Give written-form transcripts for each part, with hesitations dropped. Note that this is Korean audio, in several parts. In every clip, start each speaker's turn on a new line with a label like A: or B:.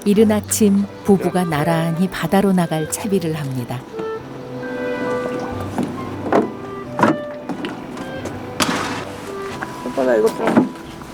A: 이른 아침 부부가 나란히 바다로 나갈 채비를 합니다.
B: 오빠 나 이거 좀.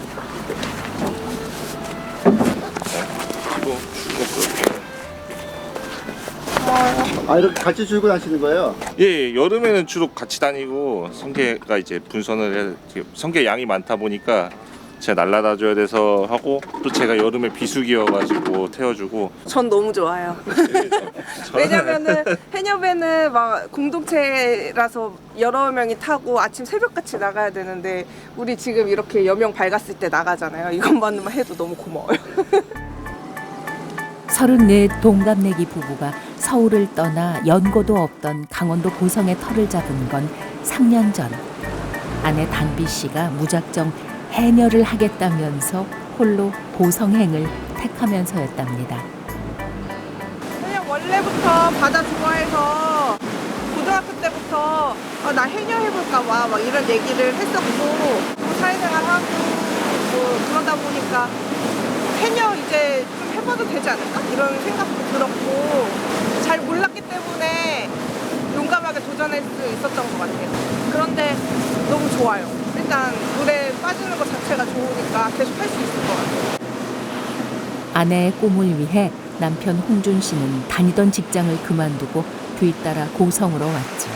C: 아, 이렇게 같이 줄고 다니시는 거예요?
D: 예, 여름에는 주로 같이 다니고 성게가 이제 분선을 해 성게 양이 많다 보니까 제가 날라다 줘야 돼서 하고 또 제가 여름에 비수기여가지고 태워주고.
B: 전 너무 좋아요. 왜냐면은 해녀배는 막 공동체라서 여러 명이 타고 아침 새벽같이 나가야 되는데 우리 지금 이렇게 여명 밝았을 때 나가잖아요. 이것만만 해도 너무 고마워요.
A: 34 동갑내기 부부가 서울을 떠나 연고도 없던 강원도 고성에 터를 잡은 건 3년 전. 아내 단비 씨가 무작정 해녀를 하겠다면서 홀로 고성행을 택하면서였답니다.
B: 그냥 원래부터 바다 좋아해서 고등학교 때부터 나 해녀 해볼까 봐 막 이런 얘기를 했었고 또 사회생활하고 뭐 그러다 보니까 해녀 이제 좀 해봐도 되지 않을까? 이런 생각도 들었고 잘 몰랐기 때문에 용감하게 도전할 수 있었던 것 같아요. 그런데 너무 좋아요. 일단 물에 빠지는 것 자체가 좋으니까 계속 할 수 있을 것 같아요.
A: 아내의 꿈을 위해 남편 홍준 씨는 다니던 직장을 그만두고 뒤따라 고성으로 왔죠.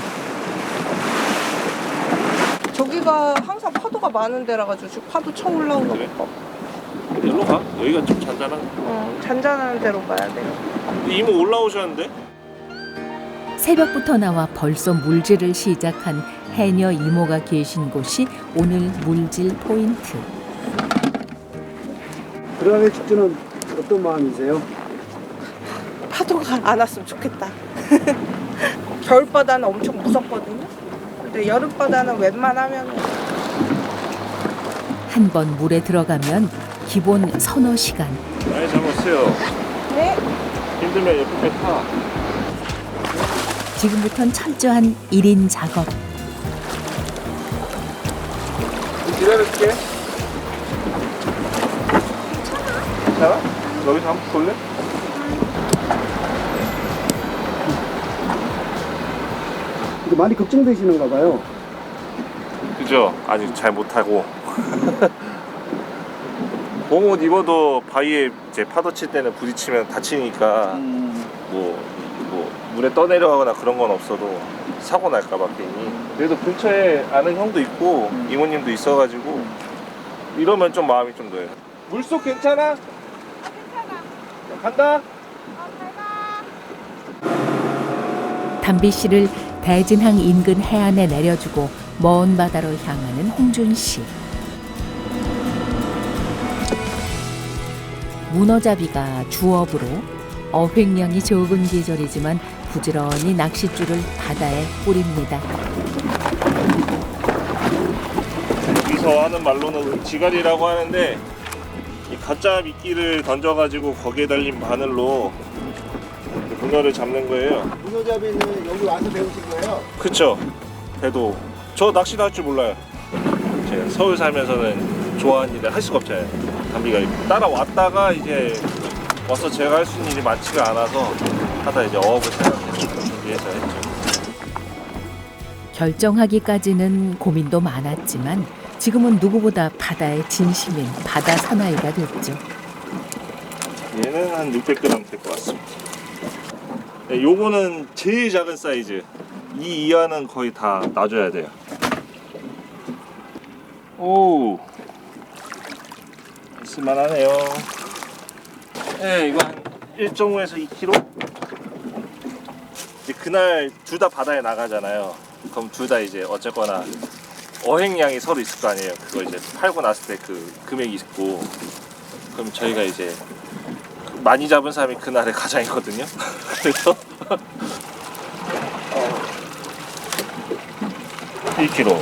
B: 저기가 항상 파도가 많은 데라 가지고 지금 파도 쳐 올라오는
D: 그래?
B: 거.
D: 일로 가? 여기가 좀 잔잔한.
B: 잔잔한 데로 가야 돼요.
D: 이모 올라오셨는데?
A: 새벽부터 나와 벌써 물질을 시작한 해녀 이모가 계신 곳이 오늘 물질 포인트.
C: 들어가기 직전은 어떤 마음이세요?
B: 파도가 안 왔으면 좋겠다. 겨울바다는 엄청 무섭거든요. 근데 여름바다는 웬만하면
A: 한 번 물에 들어가면 기본 서너 시간.
D: 많이 잡았어요.
B: 네.
D: 힘들면 옆에 타.
A: 지금부턴 철저한 1인 작업.
D: 기다릴게. 괜찮아? 여기서 한번 볼래?
C: 근데 많이 걱정되시는가 봐요.
D: 그죠? 아직 잘 못하고. 봄옷 입어도 바위에 이제 파도 칠 때는 부딪히면 다치니까 뭐 물에 떠내려가거나 그런 건 없어도 사고 날까봐 괜히. 그래도 근처에 아는 형도 있고 이모님도 있어가지고 이러면 좀 마음이 좀 놓여요. 물속 괜찮아? 괜찮아. 간다.
A: 담비 씨를 대진항 인근 해안에 내려주고 먼 바다로 향하는 홍준 씨. 문어잡이가 주업으로 어획량이 적은 계절이지만 부지런히 낚싯줄을 바다에 뿌립니다.
D: 여기서 하는 말로는 지갈이라고 하는데 이 가짜 미끼를 던져가지고 거기에 달린 바늘로 문어를 잡는 거예요.
C: 문어잡이는 여기 와서 배우신 거예요?
D: 그쵸. 배도 저 낚시도 할 줄 몰라요. 제가 서울 살면서는 좋아하는 일을 할 수가 없잖아요. 담비가 따라왔다가 이제 와서 제가 할 수 있는 일이 많지가 않아서 하다 이제 어업을 생각해서 준비해서 했죠.
A: 결정하기까지는 고민도 많았지만 지금은 누구보다 바다의 진심인 바다 사나이가 됐죠.
D: 얘는 한 600g 될 것 같습니다. 네, 요거는 제일 작은 사이즈. 이 이하는 거의 다 놔줘야 돼요. 오, 있을만하네요. 네, 이거 한 1.5에서 2kg? 이제 그날 둘 다 바다에 나가잖아요. 그럼 둘 다 이제 어쨌거나 어획량이 서로 있을 거 아니에요. 그거 이제 팔고 났을 때 그 금액이 있고, 그럼 저희가 이제 많이 잡은 사람이 그날의 가장이거든요. 그래서 1kg.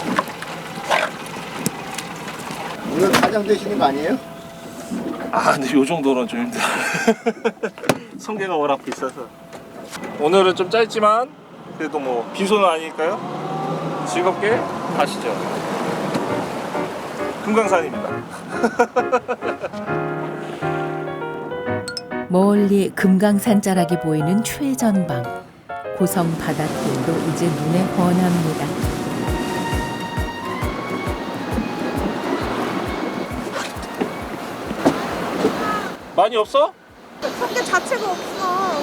C: 오늘 가장 되시는 거 아니에요?
D: 아, 근데 요 정도는 좀 힘들어. 성게가 워낙 비싸서. 오늘은 좀 짧지만 그래도 뭐 빈손은 아니니까요. 즐겁게 가시죠. 금강산입니다.
A: 멀리 금강산 자락이 보이는 최전방. 고성 바닷길도 이제 눈에 훤합니다.
D: 많이 없어?
B: 성게 자체가 없어.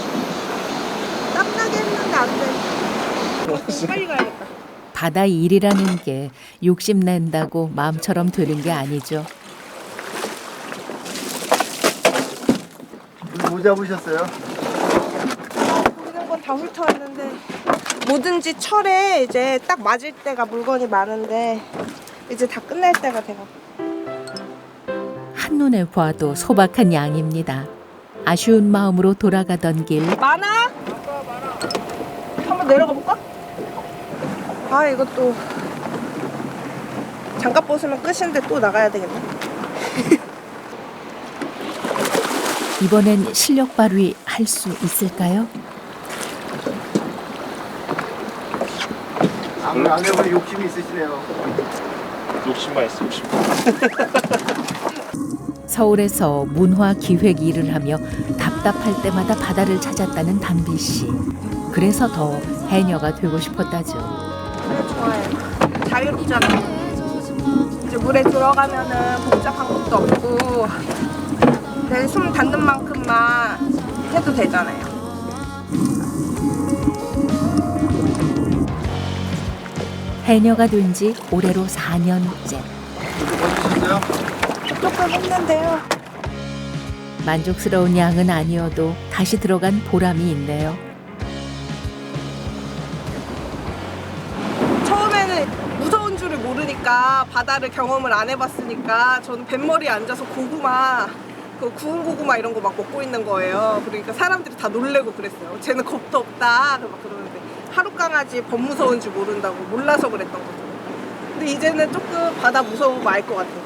B: 땀나게 했는데 안 돼. 빨리 가야겠다.
A: 바다 일이라는 게 욕심낸다고 마음처럼 되는 게 아니죠.
C: 뭐 잡으셨어요?
B: 모든 건 다 훑어왔는데 뭐든지 철에 이제 딱 맞을 때가 물건이 많은데 이제 다 끝날 때가 돼가지고.
A: 한눈에 봐도 소박한 양입니다. 아쉬운 마음으로 돌아가던 길.
B: 많아? 한번 내려가 볼까? 아 이것도 장갑 벗으면 끝인데 또 나가야 되겠네.
A: 이번엔 실력 발휘 할 수 있을까요?
C: 안 해보니 욕심이 있으시네요.
D: 욕심만 있어, 욕심.
A: 서울에서 문화 기획 일을 하며 답답할 때마다 바다를 찾았다는 담비 씨. 그래서 더 해녀가 되고 싶었다죠.
B: 그래 좋아해. 자유롭잖아. 이제 물에 들어가면은 복잡한 것도 없고 내 숨 닿는 만큼만 해도 되잖아요.
A: 해녀가 된 지 올해로 4년째.
C: 해주셨어요?
B: 조금 했는데요.
A: 만족스러운 양은 아니어도 다시 들어간 보람이 있네요.
B: 처음에는 무서운 줄을 모르니까 바다를 경험을 안 해봤으니까 저는 뱃머리에 앉아서 고구마 그 구운 고구마 이런 거 막 먹고 있는 거예요. 그러니까 사람들이 다 놀래고 그랬어요. 쟤는 겁도 없다 막 그러는데 하루 강아지 범 무서운 줄 모른다고 몰라서 그랬던 거죠. 근데 이제는 조금 바다 무서운 거 알 것 같아요.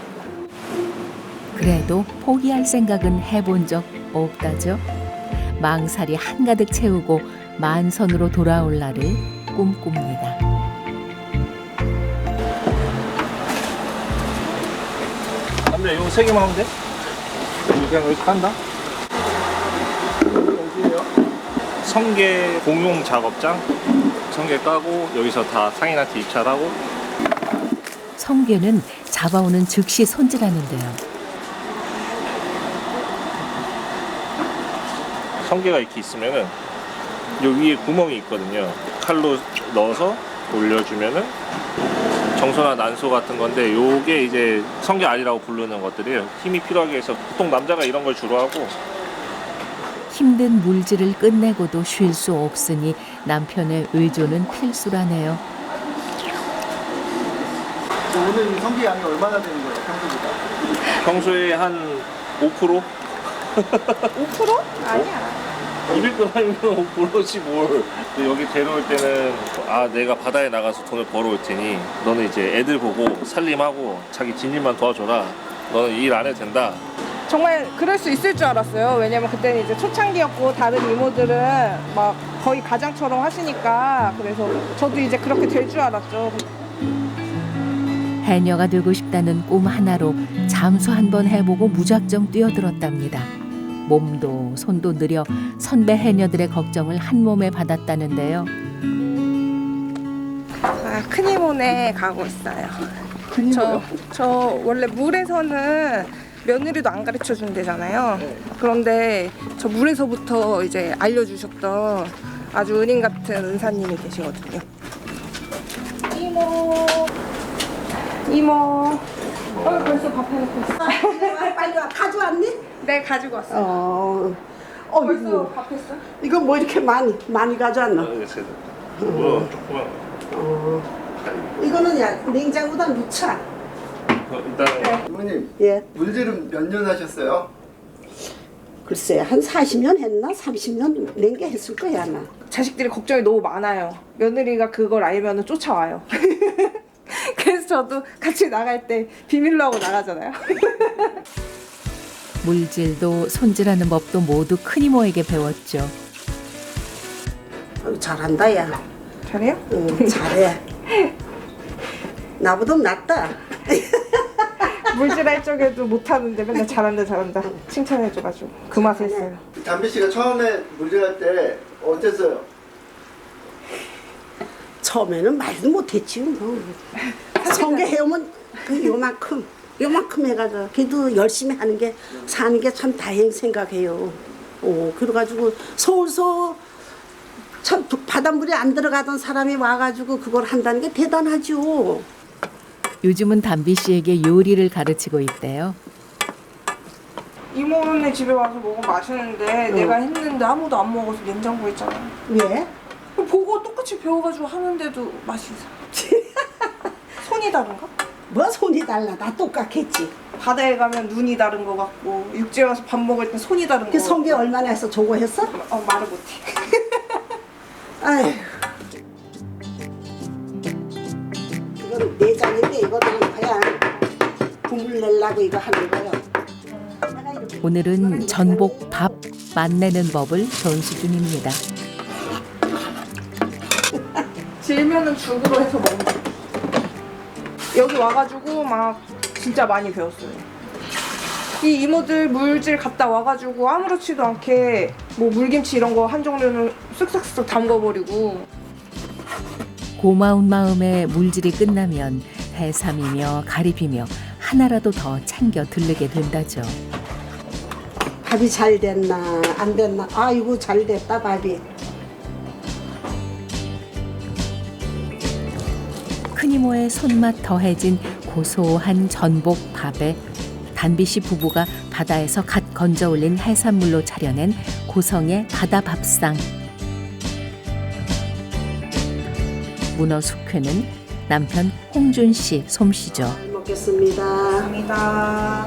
A: 그래도 포기할 생각은 해본 적 없다죠. 망살이 한가득 채우고 만선으로 돌아올 날을 꿈꿉니다.
D: 남자 이거 3개만 하면 돼? 그냥 여기서 간다?
C: 어디에요?
D: 성게 공용 작업장. 성게 까고 여기서 다 상인한테 입찰하고.
A: 성게는 잡아오는 즉시 손질하는데요.
D: 성게가 이렇게 있으면은 요 위에 구멍이 있거든요. 칼로 넣어서 올려주면은 정소나 난소 같은 건데 요게 이제 성게 알이라고 부르는 것들이에요. 힘이 필요하게 해서 보통 남자가 이런 걸 주로 하고.
A: 힘든 물질을 끝내고도 쉴 수 없으니 남편의 의존은 필수라네요.
C: 오늘 이 성게 양이 얼마나 되는 거예요, 평소보다?
D: 평소에 한 5%?
B: 5%? 아니야.
D: 200g이면 5%지 뭘. 근데 여기 데려올 때는 아 내가 바다에 나가서 돈을 벌어올 테니 너는 이제 애들 보고 살림하고 자기 집일만 도와줘라. 너는 일 안 해도 된다.
B: 정말 그럴 수 있을 줄 알았어요. 왜냐면 그때는 이제 초창기였고 다른 이모들은 막 거의 가장처럼 하시니까 그래서 저도 이제 그렇게 될 줄 알았죠.
A: 해녀가 되고 싶다는 꿈 하나로 잠수 한번 해보고 무작정 뛰어들었답니다. 몸도 손도 느려 선배 해녀들의 걱정을 한 몸에 받았다는데요.
B: 아, 큰 이모네 가고 있어요. 저 원래 물에서는 며느리도 안 가르쳐 준대잖아요. 그런데 저 물에서부터 이제 알려주셨던 아주 은인 같은 은사님이 계시거든요. 이모. 벌써 밥 해놓고 있어.
E: 빨리 와. 가져왔니?
B: 네, 가지고 왔어요. 벌써
E: 이거,
B: 밥 했어?
E: 이거 뭐 이렇게 많이 가져왔나?
D: 뭐 조그만.
E: 이거는 야 냉장고다 넣자.
D: 일단
C: 이모님,
E: 예.
C: 물질은 몇 년 하셨어요?
E: 글쎄 한 40년 했나? 30년 낸게 했을 거야 아마.
B: 자식들이 걱정이 너무 많아요. 며느리가 그걸 알면 쫓아와요. 그래서 저도 같이 나갈 때 비밀로 하고 나가잖아요.
A: 물질도 손질하는 법도 모두 큰 이모에게 배웠죠.
E: 잘한다 야.
B: 잘해요?
E: 응, 잘해. 나보다 낫다.
B: 물질할 적에도 못하는데 맨날 잘한다 칭찬해줘가지고 그 맛에 했어요.
C: 담비 씨가 처음에 물질할 때 어땠어요?
E: 처음에는 말도 못했지 뭐. 성게 해오면 그 요만큼 해가지고 그래도 열심히 하는 게 사는 게 참 다행 생각해요. 그래가지고 서울서 참 바닷물에 안 들어가던 사람이 와가지고 그걸 한다는 게 대단하죠.
A: 요즘은 담비 씨에게 요리를 가르치고 있대요.
B: 이모네 집에 와서 먹으면 맛있는데 내가 했는데 아무도 안 먹어서 냉장고에 있잖아.
E: 왜?
B: 보고 똑같이 배워가지고 하는데도 맛이 이상. 손이 다른가?
E: 뭐 손이 달라. 나 똑같겠지.
B: 바다에 가면 눈이 다른 거 같고 육지에 와서 밥 먹을 때 손이 다른 거.
E: 그 성게 얼마나 해서 저거 했어?
B: 말을 못해.
E: 아휴. 이건 내장인데 이거 넣은 거야. 국물 내려고 이거 하는 거요.
A: 오늘은 전복 밥 맛내는 법을 전수 중입니다.
B: 질면은 죽으로 해서 먹는다. 여기 와가지고 막 진짜 많이 배웠어요. 이 이모들 물질 갔다 와가지고 아무렇지도 않게 뭐 물김치 이런 거 한 종류는 쓱쓱쓱 담궈버리고.
A: 고마운 마음에 물질이 끝나면 해삼이며 가리비며 하나라도 더 챙겨 들르게 된다죠.
E: 밥이 잘 됐나 안 됐나. 아이고 잘 됐다 밥이.
A: 큰이모의 손맛 더해진 고소한 전복 밥에 담비 씨 부부가 바다에서 갓 건져 올린 해산물로 차려낸 고성의 바다 밥상. 문어 숙회는 남편 홍준 씨 솜씨죠.
E: 잘 먹겠습니다.
B: 감사합니다.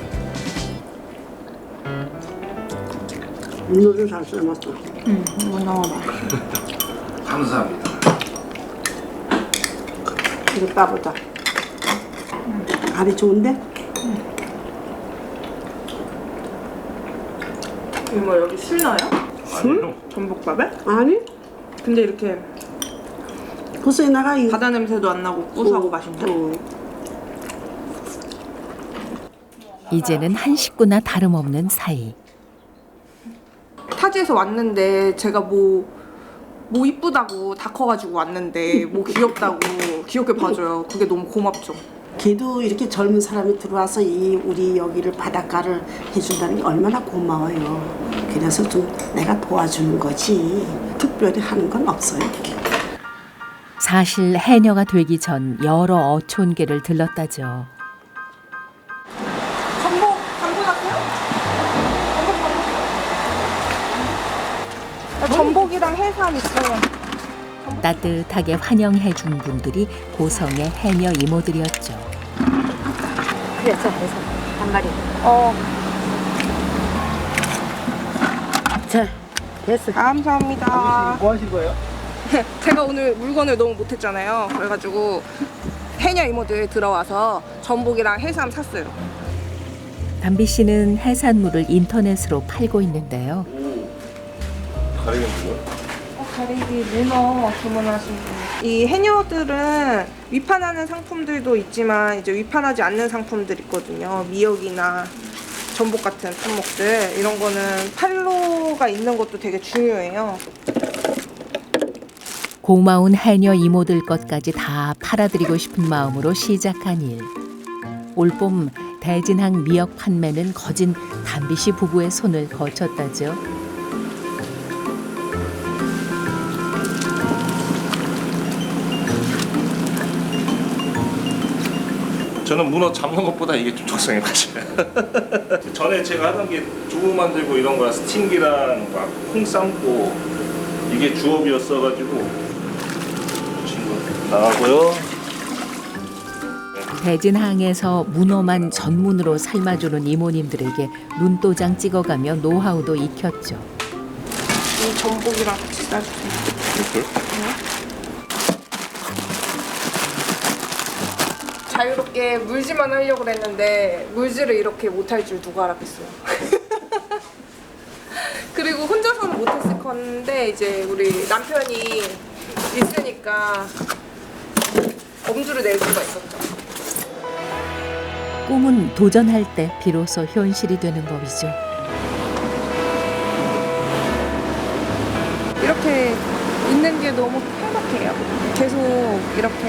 E: 문어를 잘 삶았어.
B: 문어 맛있어.
D: 감사합니다.
E: 이거 따보자. 알이 좋은데?
B: 이모 여기 술 넣어요?
D: 술?
B: 전복밥에?
E: 아니?
B: 근데 이렇게
E: 벌써 나가 이
B: 바다 냄새도 안 나고 고소하고 맛있네.
A: 이제는 한 식구나 다름없는 사이.
B: 타지에서 왔는데 제가 뭐 이쁘다고 다 커가지고 왔는데 뭐 귀엽다고 귀엽게 봐줘요. 그게 너무 고맙죠.
E: 걔도 이렇게 젊은 사람이 들어와서 우리 여기를 바닷가를 해준다는 게 얼마나 고마워요. 그래서 좀 내가 도와주는 거지 특별히 하는 건 없어요.
A: 사실 해녀가 되기 전 여러 어촌계를 들렀다죠.
B: 전복 담궈놨어요? 전복이랑 해삼 있어요.
A: 따뜻하게 환영해 준 분들이 고성의 해녀 이모들이었죠.
F: 그래서 한 마리. 자, 됐어.
B: 감사합니다.
C: 뭐 하신 거예요?
B: 제가 오늘 물건을 너무 못했잖아요. 그래가지고 해녀 이모들 들어와서 전복이랑 해삼 샀어요.
A: 담비 씨는 해산물을 인터넷으로 팔고 있는데요.
D: 가리는 뭐야?
B: 가리비 문어 주문하신 분. 이 해녀들은 위판하는 상품들도 있지만 이제 위판하지 않는 상품들 있거든요. 미역이나 전복 같은 품목들 이런 거는 팔로가 있는 것도 되게 중요해요.
A: 고마운 해녀 이모들 것까지 다 팔아드리고 싶은 마음으로 시작한 일. 올봄 대진항 미역 판매는 거진 담비 씨 부부의 손을 거쳤다죠.
D: 저는 문어 잡는 것보다 이게 좀 적성에 맞아요. 전에 제가 하던 게 두부 만들고 이런 거랑 스팀기랑 막 콩 삶고 이게 주업이었어가지고 친구 나가고요.
A: 대진항에서 문어만 전문으로 삶아주는 이모님들에게 눈도장 찍어가며 노하우도 익혔죠.
B: 이 전복이랑 같이 싸주세요. 자유롭게 물질만 하려고 했는데 물질을 이렇게 못할 줄 누가 알았겠어요. 그리고 혼자서는 못했을 건데 이제 우리 남편이 있으니까 엄두를 낼 수가 있었죠.
A: 꿈은 도전할 때 비로소 현실이 되는 법이죠.
B: 이렇게 있는 게 너무 행복해요. 계속 이렇게